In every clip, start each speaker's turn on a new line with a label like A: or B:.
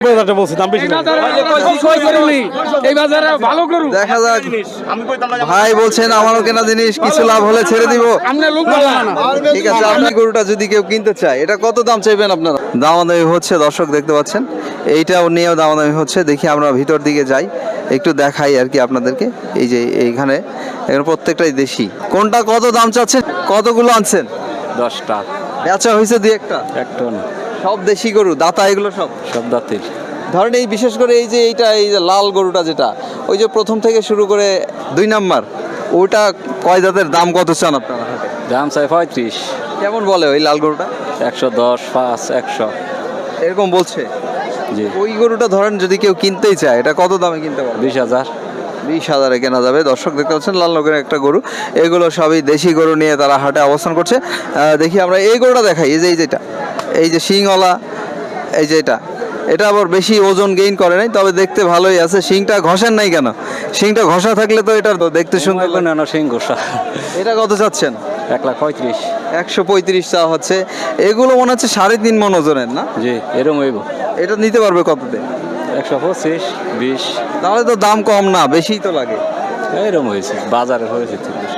A: দেখা যাক ভাই বলছেন আমারও কেনা জিনিস কিছু লাভ হলে ছেড়ে দিব। ঠিক আছে, আপনি গরুটা যদি কেউ কিনতে চায় এটা কত দাম চাইবেন আপনারা? দামাদামি হচ্ছে, দর্শক দেখতে পাচ্ছেন, এইটাও নিয়েও দামাদামি হচ্ছে। দেখি আমরা ভিতর দিকে যাই, একটু দেখাই আর কি আপনাদেরকে। এই যে এইখানে এখানে প্রত্যেকটাই দেশি। কোনটা কত দাম চাচ্ছেন? কতগুলো আনছেন?
B: 10টা।
A: বেচা হয়েছে দুই একটা?
B: একটা না,
A: সব দেশি গরু, দাতা এগুলো সব?
B: সব দাঁতের।
A: ধরেন এই বিশেষ করে এই যে এইটা, এই যে লাল গরুটা যেটা, ওই যে প্রথম থেকে শুরু করে 2 নাম্বার, ওটা কয় জাতের, দাম কত চান আপনারা?
B: দাম চাই 35।
A: কেমন বলে ওই লাল গরুটা?
B: 110, 5, 100
A: এরকম বলছে।
B: জি।
A: ওই গরুটা ধরেন যদি কেউ কিনতেই চায় এটা কত দামে কিনতে পারবে?
B: 20,000।
A: 20,000-এ কেনা যাবে। দর্শক দেখতে পাচ্ছেন লাল রঙের একটা গরু। এগুলো সবই দেশি গরু নিয়ে তারা হাটে অবস্থান করছে। দেখি আমরা এই গরুটা দেখাই। এই যে যেটা, এই যে শিংওয়ালা, এই যে এটা আবার বেশি ওজন গেইন করে নাই, তবে দেখতে ভালোই আছে। শিংটা ঘষেন নাই কেন? শিংটা ঘষা থাকলে তো এটা দেখতে সুন্দর লাগে
B: না। সিং ঘোষা।
A: এটা কত চাচ্ছেন?
B: 1,35,000।
A: 135 চা হচ্ছে। এগুলো মনে হচ্ছে 3.5 মণ ওজনের না?
B: জি, এরকম হইব।
A: এটা নিতে পারবে কততে?
B: 125, 20।
A: তাহলে তো দাম কম না, বেশিই তো লাগে।
B: এরকম হয়েছে, বাজারে হয়েছে।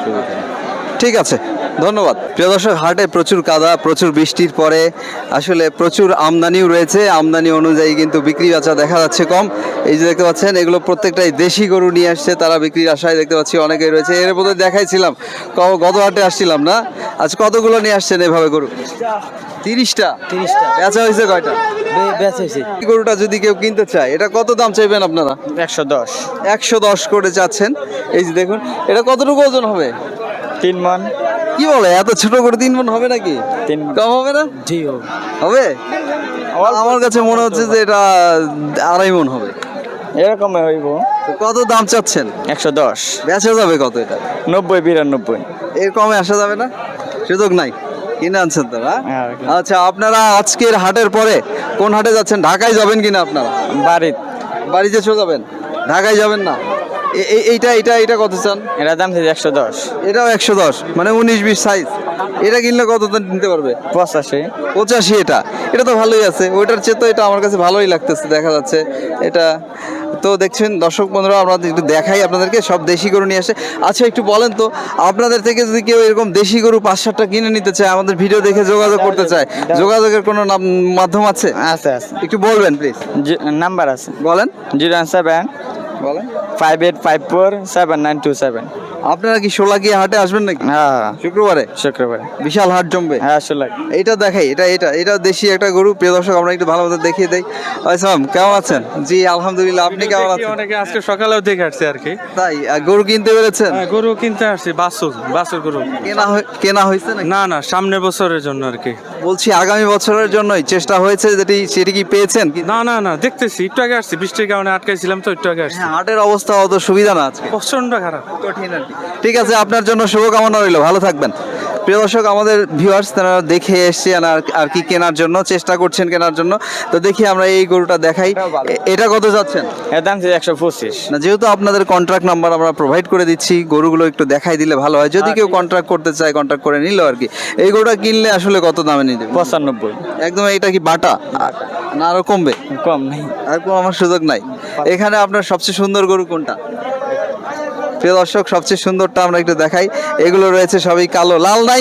A: ঠিক আছে, ধন্যবাদ। প্রিয় দর্শক, হাটে প্রচুর কাদা, প্রচুর বৃষ্টির পরে আসলে প্রচুর আমদানিও রয়েছে। আমদানি অনুযায়ী কিন্তু বিক্রি বাচা দেখা যাচ্ছে কম। এই যে দেখতে পাচ্ছেন এগুলো প্রত্যেকটাই দেশি গরু নিয়ে আসছে তারা বিক্রির আশায়। দেখতে পাচ্ছি অনেকেই রয়েছে। এর মধ্যে দেখাইছিলাম গত হাটে আসছিলাম না, আজ কতগুলো নিয়ে আসছেন এভাবে গরু? 30টা। বেচা হয়েছে কয়টা? এই গরুটা যদি কেউ কিনতে চায় এটা কত দাম চাইবেন আপনারা?
C: 110।
A: 110 করে চাচ্ছেন। এই যে দেখুন, এটা কতটুকু ওজন হবে?
C: 3 মণ।
A: কি বলে, এত ছোট করে 3 মণ হবে নাকি?
C: 3
A: কম হবে না?
C: জি
A: হবে। আমার কাছে মনে হচ্ছে যে এটা 2.5 মণ হবে।
C: এরকম হইব।
A: তো কত দাম চাচ্ছেন?
C: 110।
A: বেচা যাবে কত এটা?
C: 90, 92।
A: এর কমে আসা যাবে না? সুযোগ নাই, কিনে আনছেন তো না? আচ্ছা, আপনারা আজকের হাটের পরে কোন হাটে যাচ্ছেন? ঢাকায় যাবেন কিনা আপনারা? বাড়িতে চলে যাবেন, ঢাকায় যাবেন না? এইটা কত চান?
C: এটা দাম 110।
A: এটাও 110, মানে 19-20 সাইজ। এটা কিনলে কত দাম নিতে পারবে?
C: 85।
A: এটা তো ভালোই আছে। ওইটার চেয়ে তো এটা আমার কাছে ভালোই লাগতেছে, দেখা যাচ্ছে এটা। তো দেখছেন দর্শক বন্ধুরা, আমরা একটু দেখাই আপনাদেরকে, সব দেশি গরু নিয়ে আসে। আচ্ছা, একটু বলেন তো, আপনাদের থেকে যদি কেউ এরকম দেশি গরু 5-7টা কিনে নিতে চায়, আমাদের ভিডিও দেখে যোগাযোগ করতে চায়, যোগাযোগের কোনো মাধ্যম আছে?
C: আছে।
A: একটু বলবেন প্লিজ।
C: নাম্বার আছে,
A: বলেন।
C: 017
A: বলেন
C: 58547927।
A: আপনারা কি শোলাকিয়া হাটে আসবেন নাকি?
C: হ্যাঁ,
A: শুক্রবারে বিশাল হাট জমবে।
C: হ্যাঁ আসলে
A: এইটা দেখাই, এটা দেশি একটা গরু। প্রিয় দর্শক, আমরা একটু ভালোভাবে দেখিয়ে দেই। আসসালাম, কেমন আছেন? জি আলহামদুলিল্লাহ, আপনি কেমন আছেন?
D: অনেকে আজকে সকালেও দেখে আসছে আর কি।
A: তাই গরু কিনতে পেরেছেন?
D: গরু কিনতে আসছি, বাছুর গরু
A: কেনা হয়েছে নাকি?
D: না, সামনের বছরের জন্য আর কি।
A: বলছি আগামী বছরের জন্যই চেষ্টা হয়েছে, সেটি কি পেয়েছেন?
D: না, দেখতেছি। একটু আগে আসছি, বৃষ্টির কারণে আটকাইছিলাম তো, একটু আগে আসছি।
A: হাটের অবস্থা অত সুবিধা না আজকে,
D: প্রচন্ড খারাপ,
A: কঠিন আর কি। ঠিক আছে, আপনার জন্য শুভকামনা রইল, ভালো থাকবেন। প্রিয় দর্শক, আমাদের ভিউয়ার্স তারা দেখে এসছেন আর কি কেনার জন্য চেষ্টা করছেন কেনার জন্য। তো দেখি আমরা এই গরুটা দেখাই। এটা কত যাচ্ছেন?
C: এর দাম 125।
A: না, যেহেতু আপনাদের কন্ট্রাক্ট নাম্বার আমরা প্রোভাইড করে দিচ্ছি, গরুগুলো একটু দেখাই দিলে ভালো হয়। যদি কেউ কন্ট্রাক্ট করতে চায়, কন্ট্রাক্ট করে নিল আর কি। এই গরুটা কিনলে আসলে কত দামে নিতে?
C: 95।
A: একদম। এটা কি বাটা না আরো কমবে?
C: কম নেই,
A: আর কম আমার সুযোগ নাই। এখানে আপনার সবচেয়ে সুন্দর গরু কোনটা? প্রিয় দর্শক, সবচেয়ে সুন্দরটা আমরা একটু দেখাই। এগুলো রয়েছে সবই কালো, লাল নাই?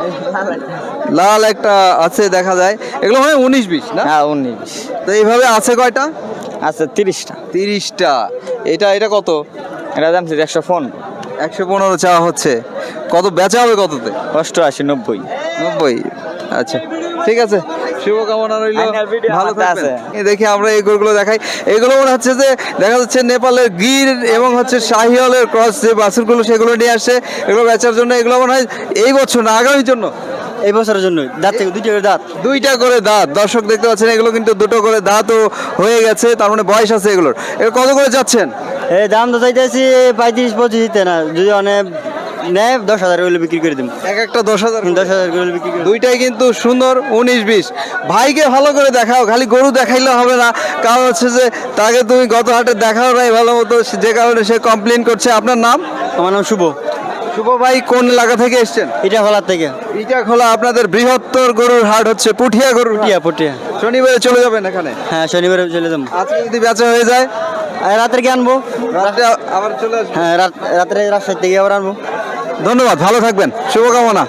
A: লাল একটা আছে দেখা যায়। এগুলো মানে 19-20 না?
C: হ্যাঁ 19।
A: তো এইভাবে আছে কয়টা?
C: আচ্ছা 30টা।
A: 30টা। এটা কত?
C: এটা দাম 115।
A: 115 চাওয়া হচ্ছে। কত বেচা হবে কততে?
C: 88, 90।
A: 90। আচ্ছা, ঠিক আছে, শুভকামনা রইল, ভালো থাকবেন। দেখি আমরা এই গরুগুলো দেখাই। এগুলো মনে হচ্ছে যে দেখা যাচ্ছে নেপালের গির এবং হচ্ছে শাহিওয়ালের ক্রস যে বাছুরগুলো, সেগুলো নিয়ে আসছে এগুলো বেচার জন্য। এগুলো মনে হয় এই বছর না আগামীর জন্য?
C: এই বছরের জন্য। দাঁত থেকে
A: 2টা করে দাঁত। দর্শক দেখতে পাচ্ছেন এগুলো কিন্তু 2টো করে দাঁতও হয়ে গেছে, তার মানে বয়স আছে এগুলোর। এগুলো কত করে যাচ্ছেন?
C: এই দাম তো চাইতেছি 35-25 না, যদি অনেক নেয় 10,000 করে বিক্রি করে দিন।
A: একটা 10,000
C: করে বিক্রি করে।
A: দুইটাই কিন্তু সুন্দর, 19-20। ভাইকে ভালো করে দেখাও, খালি গরু দেখাইলে হবে না। কারণ হচ্ছে যে তাকে তুমি গত হাটে দেখাও নাই ভালো মতো, যে কারণে সে কমপ্লেন করছে। আপনার নাম?
C: আমার নাম শুভ।
A: শুভ ভাই, কোন এলাকা থেকে এসছেন?
C: এটা খোলার থেকে।
A: ইটা খোলা। আপনাদের বৃহত্তর গরুর হাট হচ্ছে পুঠিয়া গরুর হাট।
C: পুটিয়া।
A: শনিবারে চলে যাবেন এখানে?
C: হ্যাঁ শনিবারে চলে যাবো।
A: আজকে যদি বেচা হয়ে যায়
C: আর রাতের কি আনবো?
A: রাতে আবার চলে আসবেন?
C: হ্যাঁ রাত্রে রাজশাহী থেকে আবার আনবো।
A: ধন্যবাদ, ভালো থাকবেন, শুভকামনা।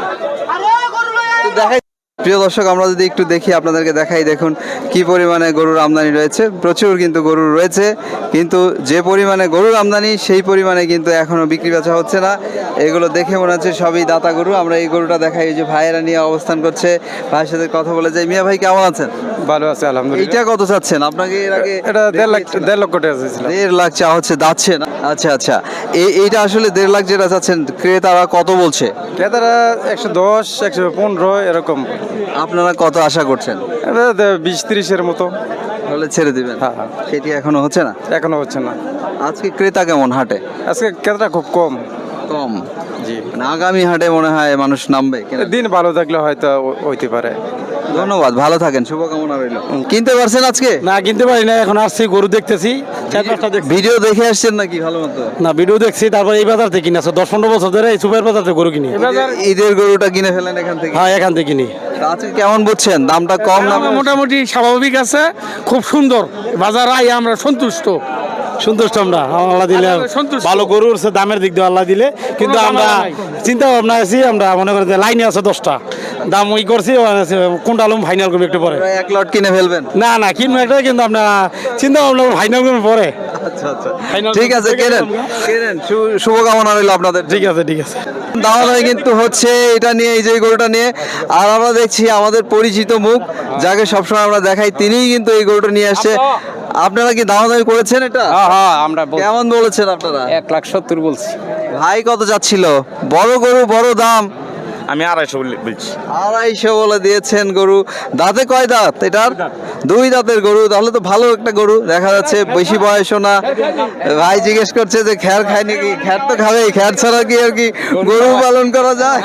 A: তো দেখাই প্রিয় দর্শক, আমরা যদি একটু দেখি, আপনাদেরকে দেখাই, দেখুন কি পরিমাণে গরুর আমদানি রয়েছে। প্রচুর কিন্তু গরু রয়েছে, কিন্তু যে পরিমাণে গরুর আমদানি সেই পরিমাণে কিন্তু এখনো বিক্রি বেচা হচ্ছে না। এগুলো দেখে মনে হচ্ছে সবই দাতা গরু। আমরা এই গরুটা দেখাই, এই যে ভাইয়েরা নিয়ে অবস্থান করছে, ভাইয়ের সাথে কথা বলে যাই। মিয়া ভাই কেমন আছেন?
E: ভালো আছে আলহামদুলিল্লাহ।
A: এইটা কত চাচ্ছেন? আপনাকে এর আগে
E: এটা 1.5 লক্ষ টাকা চাইছিলাম।
A: 1.5 লাখ চা হচ্ছে, যাচ্ছে না? আচ্ছা আচ্ছা, এইটা আসলে 1.5 লাখ যেটা চাচ্ছেন, ক্রেতারা কত বলছে?
E: ক্রেতারা 110, 115 এরকম।
A: আপনারা কত আশা করছেন?
E: 20-30 মতো
A: হলে ছেড়ে দিবেন?
E: হ্যাঁ, হ্যাঁ।
A: সেটি এখনো হচ্ছে না?
E: এখনো হচ্ছে না।
A: আজকে ক্রেতা কেমন হাটে?
E: আজকে ক্রেতা খুব কম।
A: কম?
E: জি,
A: মানে আগামী হাটে মনে হয় মানুষ নামবে কেনার।
E: দিন ভালো থাকলে হয়তো হইতে পারে।
A: ধন্যবাদ, ভালো থাকেন, শুভকামনা রইল। কিনতে পারছেন আজকে?
F: না কিনতে পারি না, এখন আসছি গরু দেখতেছি, 4-5টা দেখছি।
A: ভিডিও দেখে আসছেন নাকি ভালো মতো?
F: না ভিডিও দেখছি, তারপর এই বাজার থেকে কিনে 10-15 বছর ধরে এই সুপার বাজার থেকে গরু কিনি।
A: ঈদের গরুটা কিনে ফেলেন এখান থেকে?
F: হ্যাঁ এখান থেকে কিনি।
A: তা আজকে কেমন বুঝছেন? দামটা কম না?
G: মোটামুটি স্বাভাবিক আছে, খুব সুন্দর বাজার, আই আমরা সন্তুষ্ট।
F: আমরা আল্লাহ দিলে
G: সন্তুষ্ট।
F: ভালো গরু উঠছে, দামের দিক দিয়ে আল্লাহ দিলে, কিন্তু আমরা চিন্তা ভাবনা আছি, আমরা মনে করি যে লাইনে আছে 10টা, দাম ওই করছি, কোনটা আলম ফাইনাল করবো একটু পরে।
A: এক লট কিনে ফেলবেন?
F: না না কিনবো একটা, কিন্তু আপনার চিন্তা ভাবনা ফাইনাল করবো পরে।
A: আচ্ছা আচ্ছা, ঠিক আছে, কেনেন কেনেন, শুভকামনা রইল আপনাদের।
F: ঠিক আছে ঠিক আছে।
A: দাওয়াদাওয়ি কিন্তু হচ্ছে এটা নিয়ে, এই যে গরুটা নিয়ে। আর আমরা দেখছি আমাদের পরিচিত মুখ, যাকে সবসময় আমরা দেখাই, তিনিই কিন্তু এই গরুটা নিয়ে আসছে। আপনারা কি দাওয়াদাওয়ি করেছেন এটা?
B: হ্যাঁ আমরা
A: কেমন বলেছেন আপনারা?
B: 1,70,000 বলছি।
A: ভাই কত যাচ্ছিল? বড় গরু, বড় দাম।
B: আমি 250 বলছি।
A: 250 বলে দিয়েছেন গরু। দাঁতে কয় দাঁত এটার? 2 দাঁতের গরু, তাহলে তো ভালো একটা গরু দেখা যাচ্ছে, বেশি বয়সও না। ভাই জিজ্ঞেস করছে যে খ্যার খায় নাকি? খ্যার তো খাবেই, খ্যার ছাড়া কি আর কি গরু পালন করা যায়?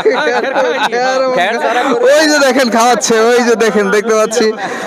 A: ওই যে দেখেন খাওয়াচ্ছে, ওই যে দেখেন, দেখতে পাচ্ছি।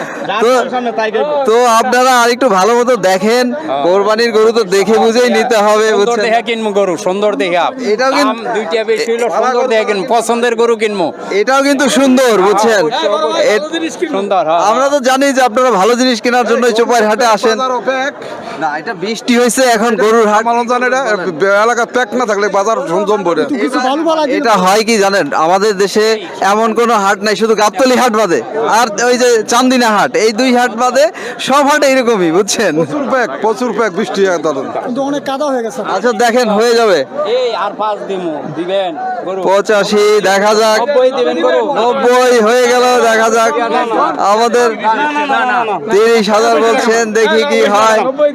A: তো আপনারা আরেকটু ভালো মতো দেখেন, কোরবানির গরু তো দেখে বুঝেই নিতে হবে, বুঝছেন?
B: দেখে কিনবো গরু, সুন্দর দেখে।
A: এটাও কিন্তু
B: দুইটা বেশি হইলো, সুন্দর দেখে কিনবো, পছন্দের গরু কিনবো।
A: এটাও কিন্তু সুন্দর, বুঝছেন?
B: সুন্দর, হ্যাঁ।
A: আমরা তো জানি যে আপনারা ভালো জিনিস কেনার জন্য চোপার হাটে আসেন। না, এটা বৃষ্টি হয়েছে, এখন গরুর হাট
E: এলাকা প্যাক না থাকলে বাজার জমবে না।
A: এটা হয় কি জানেন, আমাদের দেশে এমন কোনো হাট নাই, শুধু গাবতলী হাট বাদে আর ওই যে চান্দিনা হাট, এই 2 হাট বাদে সব হাট এইরকমই, বুঝছেন?
E: প্রচুর প্যাক বৃষ্টি একদম।
A: আচ্ছা দেখেন, হয়ে যাবে।
B: এই আর 5 দিবেন গরু।
A: 85 দেখা যাক,
B: 90 দিবেন গরু।
A: 90 হয়ে গেল, দেখা যাক। আমাদের 30,000 বলছেন, দেখি কি হয়। 90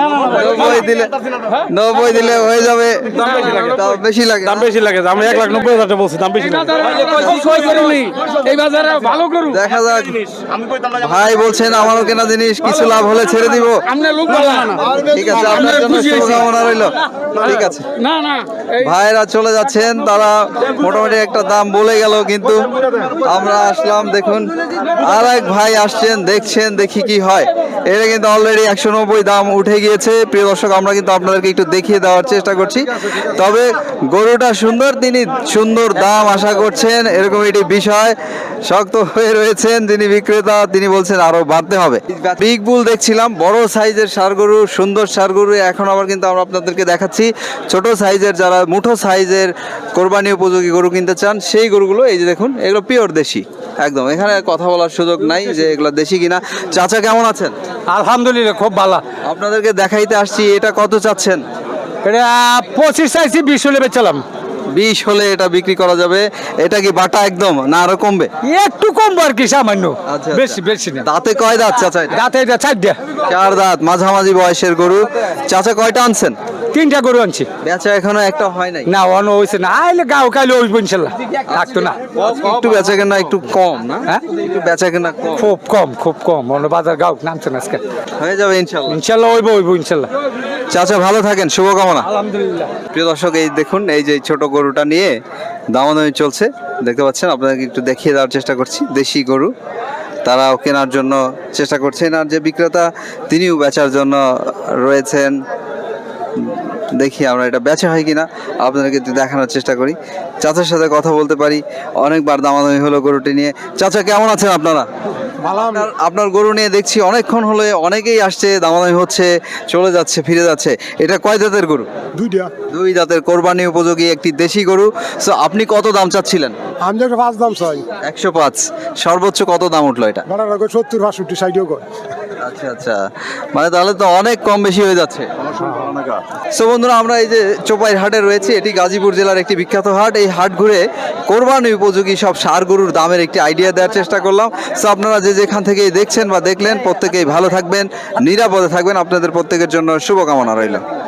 A: দিলে হয়ে যাবে। দাম বেশি লাগে?
F: দাম বেশি লাগে, আমরা 1,90,000 বলছি, দাম বেশি লাগে।
G: এই বাজারে ভালো করু,
A: দেখা যাক। ভাই বলছেন আমারও কেনা জিনিস, কিছু লাভ হলে ছেড়ে দিব।
G: আমরা লোক ভালো না।
A: ঠিক আছে, আপনার জন্য শুভকামনা রইল। ঠিক আছে,
G: না না
A: ভাইরা চলে যাচ্ছেন, তারা মোটামুটি একটা দাম বলে গেল, কিন্তু আমরা আসলাম। দেখুন আর এক ভাই আসছেন, দেখছেন, দেখি কি হয়। এটা কিন্তু অলরেডি 190 দাম উঠে গিয়েছে। প্রিয় দর্শক, আমরা কিন্তু আপনাদেরকে একটু দেখিয়ে দেওয়ার চেষ্টা করছি। তবে গরুটা সুন্দর, তিনি সুন্দর দাম আশা করছেন, এরকম একটি বিষয়। শক্ত হয়ে রয়েছেন যিনি বিক্রেতা, তিনি বলছেন আরো বাড়তে হবে। বিগ বুল দেখছিলাম, বড় সাইজের ষাঁড় গরু, সুন্দর ষাঁড় গরু। এখন আবার কিন্তু আমরা আপনাদেরকে দেখাচ্ছি ছোট সাইজের, যারা মুঠো সাইজের কোরবানি উপযোগী গরু কিনতে চান, সেই গরুগুলো। এই যে দেখুন, এগুলো পিওর দেশি একদম, এখানে কথা বলার সুযোগ নাই যে এগুলো দেশি কিনা। চাচা কেমন আছেন?
F: আলহামদুলিল্লাহ খুব ভালো।
A: আপনাদেরকে দেখাইতে আসছি, এটা কত চাচ্ছেন?
F: এটা 25 চাইছি, 20 হলে বেচালাম।
A: 20 হলে এটা বিক্রি করা যাবে। এটা কি বাটা একদম না আরো কমবে?
F: একটু কম আর কি, সামান্য,
A: আচ্ছা,
F: বেশি বেশি না।
A: দাঁতে কয় দাঁত চাচা এটা?
F: দাঁতে এটা 4টা।
A: 4 দাঁত, মাঝামাঝি বয়সের গরু। চাচা কয়টা আনছেন?
F: 3টা গরু আনছি।
A: বেচা এখনো একটা হয় নাই?
F: না অন হয়েছে না, আইলে গাও কাইলে ওই ইনশাল্লাহ থাকতো না।
A: একটু বেচা কেনা একটু কম না?
F: হ্যাঁ?
A: একটু বেচা কেনা কম।
F: খুব কম অন্য বাজার গাও নামছে না আজকে।
A: হয়ে যাবে ইনশাল্লাহ।
F: ইনশাল্লাহ হইব ইনশাল্লাহ।
A: চাচা ভালো থাকেন, শুভকামনা।
F: আলহামদুলিল্লাহ।
A: প্রিয় দর্শক, এই দেখুন, এই যে ছোট গরুটা নিয়ে দামাদামি চলছে, দেখতে পাচ্ছেন। আপনাদেরকে একটু দেখিয়ে দেওয়ার চেষ্টা করছি। দেশি গরু, তারাও কেনার জন্য চেষ্টা করছেন, আর যে বিক্রেতা তিনিও বেচার জন্য রয়েছেন। দেখি আমরা এটা বেচা হয় কিনা, আপনাদেরকে একটু দেখানোর চেষ্টা করি। চাচার সাথে কথা বলতে পারি, অনেকবার দামাদামি হলো গরুটি নিয়ে। চাচা কেমন আছেন আপনারা? আপনার গরু নিয়ে দেখছি অনেকক্ষণ হলে অনেকেই আসছে, দামাদামি হচ্ছে, চলে যাচ্ছে, ফিরে যাচ্ছে। এটা কয় জাতের গরু?
H: দুইটা।
A: দুই জাতের কোরবানি উপযোগী একটি দেশি গরু। সো আপনি কত দাম চাচ্ছিলেন?
H: আমি যে 5 দাম চাই,
A: 105। সর্বোচ্চ কত দাম উঠলো এটা?
H: ভাড়া রাখো 70 65 60 কর।
A: আচ্ছা আচ্ছা, মানে তাহলে তো অনেক কম বেশি হয়ে যাচ্ছে। সো বন্ধুরা, আমরা এই যে চোপাইর হাটে রয়েছে, এটি গাজীপুর জেলার একটি বিখ্যাত হাট। এই হাট ঘুরে কোরবানি উপযোগী সব ষাঁড় গরুর দামের একটি আইডিয়া দেওয়ার চেষ্টা করলাম। সো আপনারা যে যেখান থেকেই দেখছেন বা দেখলেন, প্রত্যেকেই ভালো থাকবেন, নিরাপদে থাকবেন। আপনাদের প্রত্যেকের জন্য শুভকামনা রইল।